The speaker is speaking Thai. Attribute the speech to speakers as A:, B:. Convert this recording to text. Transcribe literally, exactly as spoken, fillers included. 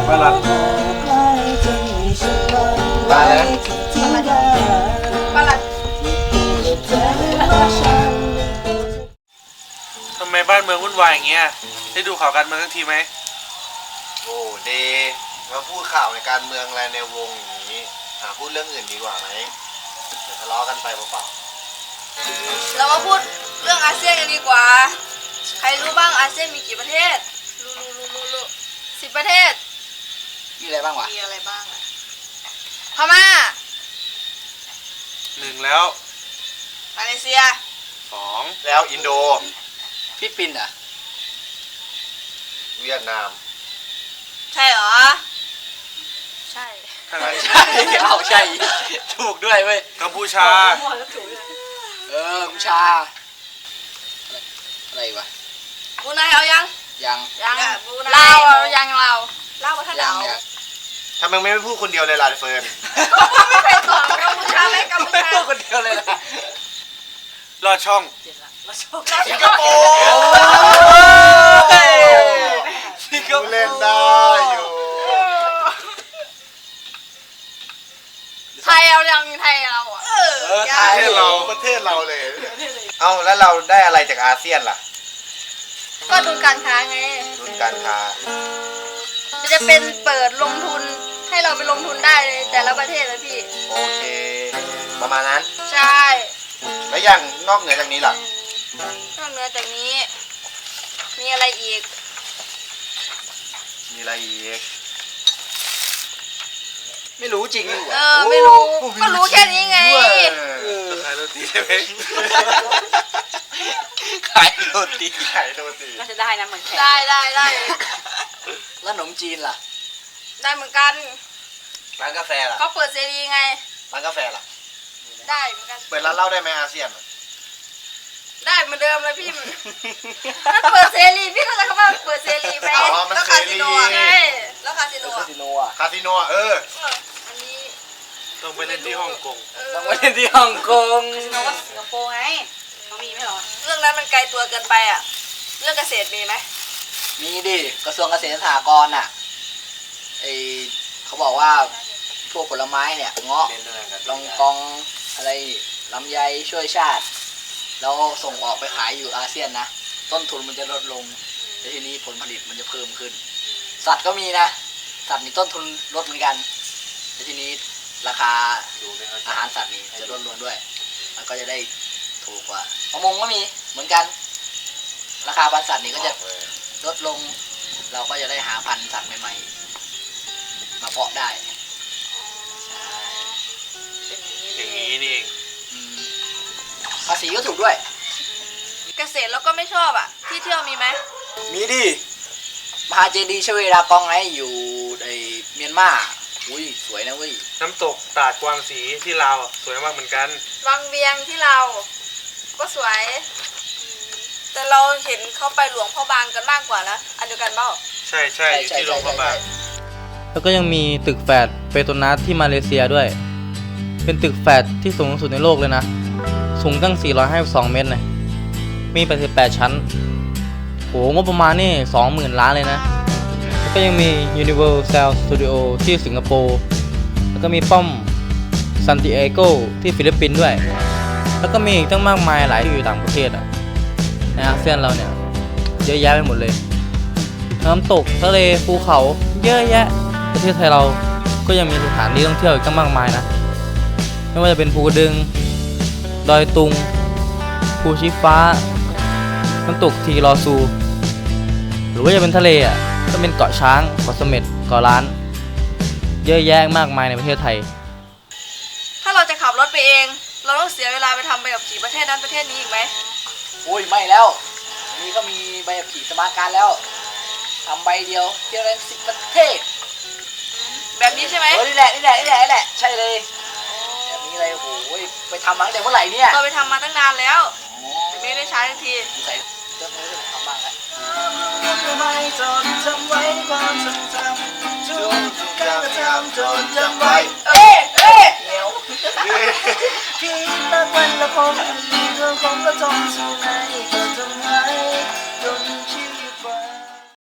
A: ปลาลัดปลาอะไร
B: ปลาลัด
A: ทำไมบ้านเมืองวุ่นวายอย่างเงี้ยได้ดูข่าวการเมืองทั้งทีไหม
C: โอ้เดมาพูดข่าวในการเมืองอะไรในวงอย่างนี้หาพูดเรื่องอื่นดีกว่าไหมเดี๋ยวทะเลาะกันไปเปล่า
B: เรามาพูดเรื่องอาเซียนกันดีกว่าใครรู้บ้างอาเซียนมีกี่ประเทศรู้รู้รู้รู้รู้สิบประเทศ
D: มีอะไรบ้างวะ
B: มีอะไรบ้างอะพม่า
A: หนึ่งแล้ว
B: มาเลเซีย
A: สอง
C: ๆแล้วอินโด
D: ฟิลิปปินส์อ่ะ
C: เวียดนาม
B: ใช่เหรอใช่
A: ทางไหน
D: ใช่เอาใช่ถูกด้วยเว้ย
A: กัมพูชา
D: เออกัมพูชาอะไรวะ
B: บูไนเอายัง
D: ยัง
B: ยังลาวยังลาวลาวท่านเอา
C: ทำไมไม่พูดคนเดียวเลยล่ะเฟิร์น
B: ไม่เคยตอบกัมพูชาไหมกัมพูชา
D: พูดคนเดียวเลยนะ
A: ลอดช่อง
C: สิงคโปร์
D: สิงคโปร์
C: เล่นได้อยู่
B: ไทยเอายังไทยเราอ่ะเอ
C: อไทยเราประเทศเราเลยเอาแล้วเราได้อะไรจากอาเซียนล่ะ
B: ก็ดุลการค้าไง
C: ดุลการค้า
B: จะเป็นเปิดลงทุนให้เราไปลงทุนได้เลยแต่ละประเทศเลยพี่
C: โอเคประมาณนั้น
B: ใช่
C: แล้วอย่างนอกเหนือจากนี้ล่ะ
B: นอกเหนือจากนี้มีอะไรอีก
C: มีอะไรอีก
D: ไม่รู้จริง
B: เออไม่รู้ก็รู้แค่นี้ไง
A: ขายโรตีใช่ไหม
D: ขายโรตี
C: ขายโรตี
B: น่าจะได้นะเหมือนแค่ได้ได้ได้
D: แล้วขนมจีนล่ะ
B: ได้เหมือนกัน
C: ร้านกาแฟล่ะ
B: เขาเปิดเสรีไง
C: ร้านกาแฟล่ะ
B: ได้เหมือนกัน
C: เปิดร้านเหล้าได้ไหมอาเซียน
B: ได้เหมือนเดิมเลยพี่มันเปิดเสรีพี่ก็จะคำว่าเปิดเสรีไป
C: แล้วคาสิโน
B: ไงแล้วคาสิโน
D: คาสิโนอ่ะ
C: คาสิโนเออ
B: อันนี้
A: ต้องไปเล่นที่ฮ่องกง
D: ต้องไปเล่นที่ฮ่องกง
B: คาสิโนก็สิงคโปร์ไงเขามีไหมหรอเรื่องนั้นมันไกลตัวเกินไปอ่ะเรื่องเกษตรมีไหม
D: มีดิกระทรวงเกษตรและสหกรณ์อ่ะไอเขาบอกว่าพวกผลไม้เนี่ยเงาะลองกองอะไรลำไยช่วยชาติเราส่งออกไปขายอยู่อาเซียนนะต้นทุนมันจะลดลงแต่ทีนี้ผลผลิตมันจะเพิ่มขึ้นสัตว์ก็มีนะสัตว์นี่ต้นทุนลดเหมือนกันแต่ทีนี้ราคาอาหารสัตว์นี่จะลดลงด้วยมันก็จะได้ถูกกว่าประมงก็มีเหมือนกันราคาพันธุ์สัตว์นี่ก็จะลดลงเราก็จะได้หาพันธุ์สัตว์ใหม่ๆมาเพาะได้
A: อย่างนี้นี่เอง
D: ภาษีก็ถูกด้วย
B: เกษตรแล้วก็ไม่ชอบอ่ะที่เที่ยวมีไหม
D: มีดิมหาเจดีย์ชเวดากองไงอยู่ในเมียนมาอุ้ยสวยนะเว้ย
A: น้ำตกตาดกวางสีที่ลาวสวยมากเหมือนกัน
B: วังเวียงที่เราก็สวยแต่เราเห็นเขาไปหลวงพ่อบางกันมากกว่านะอันเดียวกันเปล่า
A: ใช่ใช่อยู่ที่หลวงพ่อบาง
E: แล้วก็ยังมีตึกแฝดเปโตรนัสที่มาเลเซียด้วยเป็นตึกแฝดที่สูงที่สุดในโลกเลยนะสูงตั้งสี่ร้อยห้าสิบสองเมตรนะมีแปดสิบแปดชั้นโหงบประมาณนี่ สองหมื่น ล้านเลยนะแล้วก็ยังมี Universal Studio ที่สิงคโปร์แล้วก็มีป้อมซันติเอโกที่ฟิลิปปินส์ด้วยแล้วก็มีอีกตั้งมากมายหลายที่อยู่ต่างประเทศอ่ะในอาเซียนเราเนี่ยเยอะแยะไปหมดเลยน้ำตกทะเลภูเขาเยอะแยะประเทศไทยเราก็ยังมีสถานที่ท่องเที่ยวอีกตั้งมากมายนะไม่ว่าจะเป็นภูกระดึงดอยตุงภูชีฟ้าน้ำตกทีรอซูหรือว่าจะเป็นทะเลอ่ะก็เป็นเกาะช้างเกาะเสม็ดเกาะล้านเยอะแยะมากมายในประเทศไทย
B: ถ้าเราจะขับรถไปเองเราต้องเสียเวลาไปทำใบขับขี่ประเทศนั้นประเทศนี้อีกไหม
D: โอ้ยไม่แล้วนี่ก็มีใบขับขี่สมาร์ทการ์ดแล้วทำใบเดียวเที่ยวได้สิบประเทศ
B: แบบนี้ใช่ไหม
D: โอ้ยนี่แหละนี่แหละนี่แหละนี่แหละใช่เลยแบบนี้เลยโอ้ยไปทำมาตั้งแต่เมื่อไหร่เนี่ย
B: เราไปทำมาตั้งนานแล้วแต่ไม่ได้ใช้ทันที
D: ใส่เรื่องนี้จะทำบ้างแล้ว
C: จนจำไว้ความทรงจำจนการกระทำจนจำไว้
B: เอ๊ะเอ๊ะ
D: เหนียว
C: คิดละวันละคงมีเรื่องของกระทงสู่ในกระทงไว้